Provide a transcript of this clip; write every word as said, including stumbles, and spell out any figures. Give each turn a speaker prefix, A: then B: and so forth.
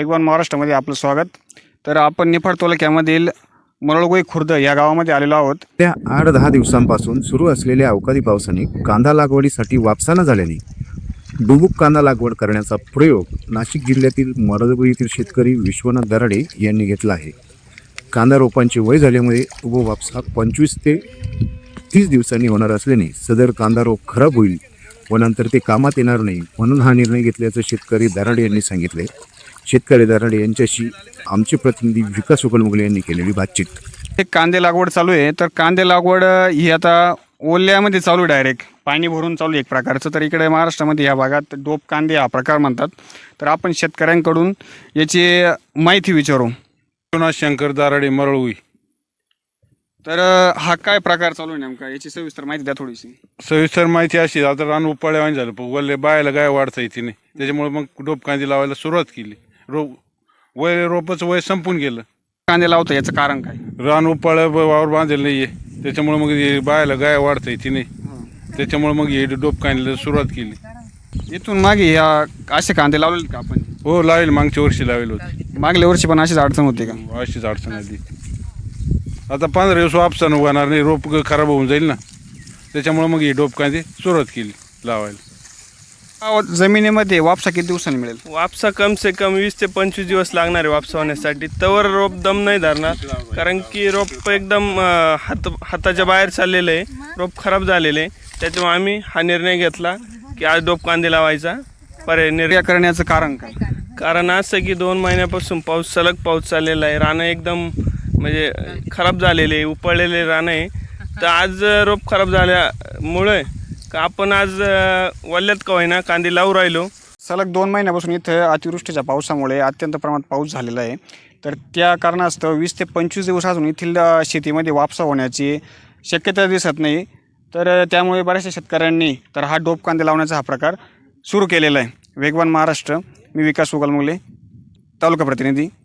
A: वेगवान महाराष्ट्रामध्ये आपलं स्वागत। तर आपण निफाड तालुक्यामधील मरळगोई खुर्द या गावामध्ये आलेलो आहोत।
B: त्या आठ दहा दिवसांपासून सुरू असलेल्या अवकाळी पावसाने कांदा लागवडीसाठी वापसा न झाल्याने डुबुक कांदा लागवड करण्याचा प्रयोग नाशिक जिल्ह्यातील मरळगोई येथील शेतकरी विश्वनाथ दराडे यांनी घेतला आहे। कांदा रोपांचे वय झाल्यामुळे उभो वापसा पंचवीस ते तीस दिवसांनी होणार असल्याने सदर कांदा रोप खराब होईल व नंतर ते कामात येणार नाही, म्हणून हा निर्णय घेतल्याचं शेतकरी दराडे यांनी सांगितले। शेतकरी दराडे यांच्याशी आमचे प्रतिनिधी विकास उकलमुगले यांनी केलेली बातचीत।
A: एक कांदे लागवड चालू आहे, तर कांदे लागवड ही आता ओल्यामध्ये चालू आहे, डायरेक्ट पाणी भरून चालू आहे एक प्रकारचं। तर इकडे महाराष्ट्रामध्ये या भागात डोप कांदे हा प्रकार म्हणतात। तर आपण शेतकऱ्यांकडून याची माहिती विचारू।
C: विश्वनाथ शंकर दराडे मरळगोई।
A: तर हा काय प्रकार चालू आहे नेमका, याची सविस्तर माहिती द्या थोडीशी।
C: सविस्तर माहिती अशी, आता रान उपाळ्यावानी झालं, पण वल्ले बायाला गाय वाढता येते नाही, त्याच्यामुळे मग डोप कांदे लावायला सुरुवात केली। रोप वय रोपाचं वय संपून गेलं।
A: कांदे लावतो याचं कारण काय?
C: रान उपाळ्या वावर बांधलेलं नाहीये, त्याच्यामुळे मग हे बायाला गाय वाढता येते नाही, त्याच्यामुळे मग हे डोप कांद्याला सुरुवात केली।
A: इथून मागे या असे कांदे लावलेले का आपण?
C: हो, लावेल, मागच्या वर्षी लावेल होते।
A: मागल्या वर्षी पण अशीच अडचण होती का?
C: अशीच अडचण आली। आता पंधरा दिवस वापसा होणार नाही, रोप खराब होऊन जाईल ना, त्याच्यामुळे मग हे डोप कांदे सुरुवात केली लावायला।
A: जमिनीमध्ये वापसा किती दिवसांनी मिळेल?
D: वापसा कम से कम वीस ते पंचवीस दिवस लागणार आहे वापसा होण्यासाठी। तवर रोप दम नाही धरणार, कारण की रोप एकदम हात हाताच्या बाहेर चाललेलं आहे, रोप खराब झालेलं आहे। त्याच्यामुळे आम्ही हा निर्णय घेतला की आज डोप कांदे लावायचा पर्याय निर्णय
A: करण्याचं कारण काय?
D: कारण असं की दोन महिन्यापासून पाऊस सलग पाऊस चाललेला आहे, रानं एकदम म्हणजे खराब झालेले उपळलेले रानं आहे। तर आज रोप खराब झाल्यामुळे का आपण आज वल्ल्यात का होईना कांदे लावू राहिलो।
A: सलग दोन महिन्यापासून इथं अतिवृष्टीच्या पावसामुळे अत्यंत प्रमाणात पाऊस झालेला आहे। तर त्या कारणास्तव वीस ते पंचवीस दिवस अजून येथील शेतीमध्ये वापसा होण्याची शक्यता दिसत नाही। तर त्यामुळे बऱ्याचशा शेतकऱ्यांनी तर हा डोप कांदे लावण्याचा हा प्रकार सुरू केलेला आहे। वेगवान महाराष्ट्र, मी विकास उकलमुगले, तालुका प्रतिनिधी।